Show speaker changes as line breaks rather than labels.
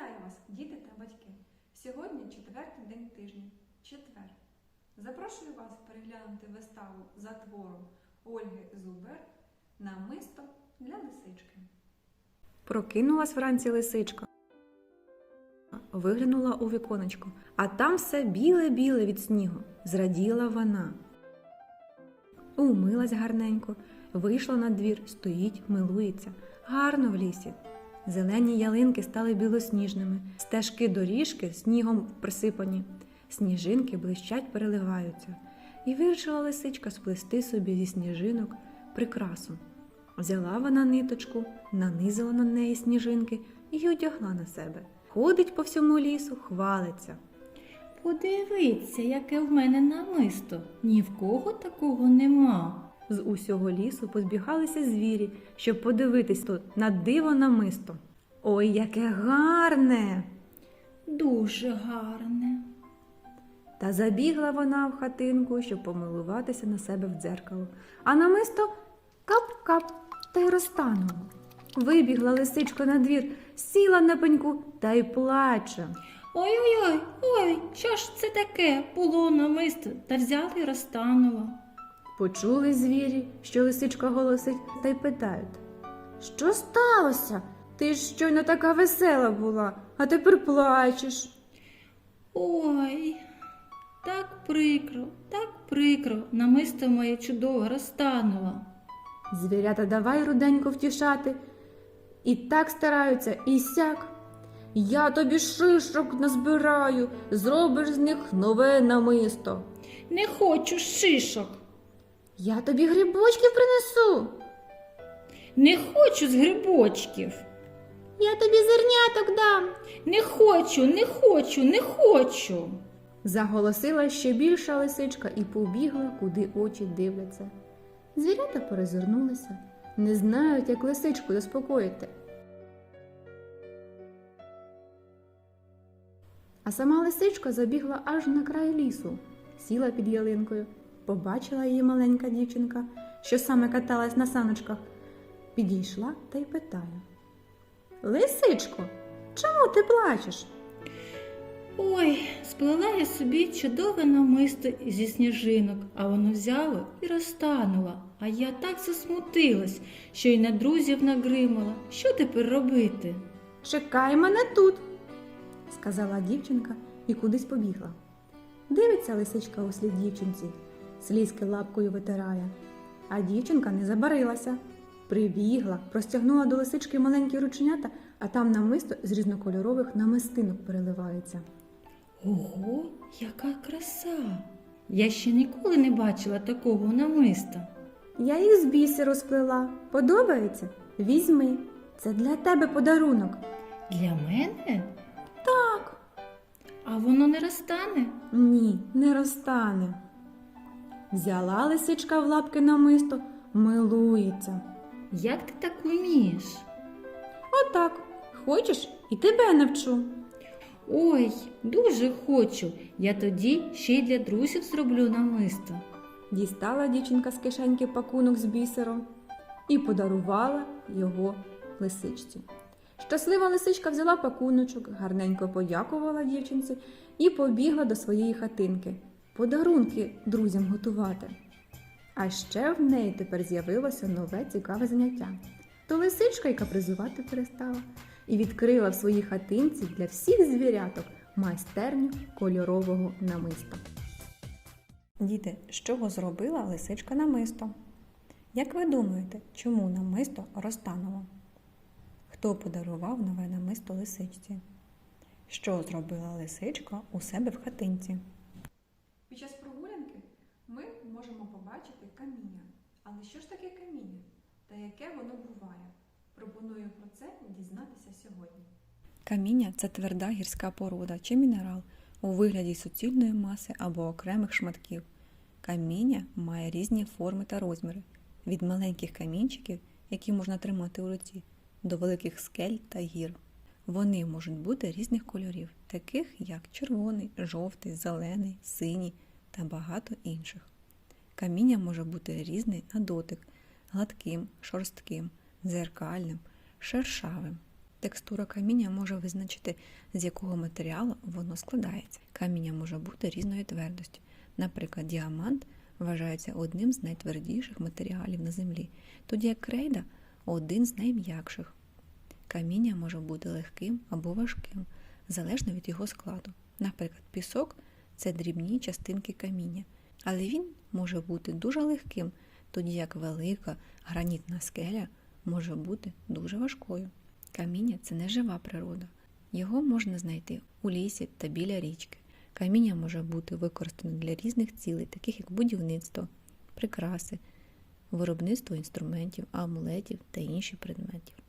Вітаю вас, діти та батьки! Сьогодні четвертий день тижня – четвер. Запрошую вас переглянути виставу за твором Ольги Зубер «Намисто для лисички».
Прокинулась вранці лисичка, виглянула у віконечко, а там все біле-біле від снігу. Зраділа вона. Умилась гарненько, вийшла на двір, стоїть, милується. Гарно в лісі. Зелені ялинки стали білосніжними, стежки доріжки снігом присипані, сніжинки блищать, переливаються. І вирішила лисичка сплести собі зі сніжинок прикрасу. Взяла вона ниточку, нанизала на неї сніжинки і одягла на себе. Ходить по всьому лісу, хвалиться.
Подивіться, яке в мене намисто. Ні в кого такого нема.
З усього лісу позбігалися звірі, щоб подивитись тут на диво намисто. Ой, яке гарне!
Дуже гарне.
Та забігла вона в хатинку, щоб помилуватися на себе в дзеркало. А намисто кап-кап та й розтануло. Вибігла лисичка на двір, сіла на пеньку та й плаче.
Ой-ой-ой, ой, що ж це таке? Було намисто, та взяла й розтануло.
Почули звірі, що лисичка голосить, та й питають. Що сталося? Ти ж щойно така весела була, а тепер плачеш.
Ой, так прикро, намисто моє чудове розтануло.
Звірята давай руденько втішати. І так стараються, і сяк. Я тобі шишок назбираю, зробиш з них нове намисто.
Не хочу шишок.
Я тобі грибочків принесу.
Не хочу з грибочків.
Я тобі зерняток дам.
Не хочу.
Заголосила ще більша лисичка і побігла, куди очі дивляться. Звірята перезирнулися, не знають, як лисичку заспокоїти. А сама лисичка забігла аж на край лісу, сіла під ялинкою. Побачила її маленька дівчинка, що саме каталась на саночках. Підійшла та й питає. Лисичко, чому ти плачеш?
Ой, сплела я собі чудове намисто зі сніжинок, а воно взяло і розтануло. А я так засмутилась, що й на друзів нагримала. Що тепер робити?
Чекай мене тут, сказала дівчинка і кудись побігла. Дивиться лисичка услід дівчинці, слізки лапкою витирає. А дівчинка не забарилася. Прибігла, простягнула до лисички маленькі рученята, а там намисто з різнокольорових намистинок переливається.
Ого, яка краса! Я ще ніколи не бачила такого намиста.
Я їх з бісеру сплела. Подобається? Візьми. Це для тебе подарунок.
Для мене?
Так.
А воно не розтане?
Ні, не розтане. Взяла лисичка в лапки намисто, милується.
Як ти так вмієш?
Отак. Хочеш? І тебе навчу.
Ой, дуже хочу. Я тоді ще й для друзів зроблю намисто.
Дістала дівчинка з кишеньки пакунок з бісером і подарувала його лисичці. Щаслива лисичка взяла пакуночок, гарненько подякувала дівчинці і побігла до своєї хатинки подарунки друзям готувати. А ще в неї тепер з'явилося нове цікаве заняття. То лисичка й капризувати перестала і відкрила в своїй хатинці для всіх звіряток майстерню кольорового намиста. Діти, з чого зробила лисичка намисто? Як ви думаєте, чому намисто розтануло? Хто подарував нове намисто лисичці? Що зробила лисичка у себе в хатинці?
Під час прогулянки ми можемо побачити каміння. Але що ж таке каміння? Та яке воно буває? Пропоную про це дізнатися сьогодні.
Каміння – це тверда гірська порода чи мінерал у вигляді суцільної маси або окремих шматків. Каміння має різні форми та розміри – від маленьких камінчиків, які можна тримати у руці, до великих скель та гір. Вони можуть бути різних кольорів, таких як червоний, жовтий, зелений, синій та багато інших. Каміння може бути різне на дотик – гладким, шорстким, дзеркальним, шершавим. текстура каміння може визначити, з якого матеріалу воно складається. Каміння може бути різної твердості. Наприклад, діамант вважається одним з найтвердіших матеріалів на землі, тоді як крейда – один з найм'якших. Каміння може бути легким або важким, залежно від його складу. Наприклад, пісок – це дрібні частинки каміння, але він може бути дуже легким, тоді як велика гранітна скеля може бути дуже важкою. Каміння – це не жива природа. Його можна знайти у лісі та біля річки. Каміння може бути використане для різних цілей, таких як будівництво, прикраси, виробництво інструментів, амулетів та інших предметів.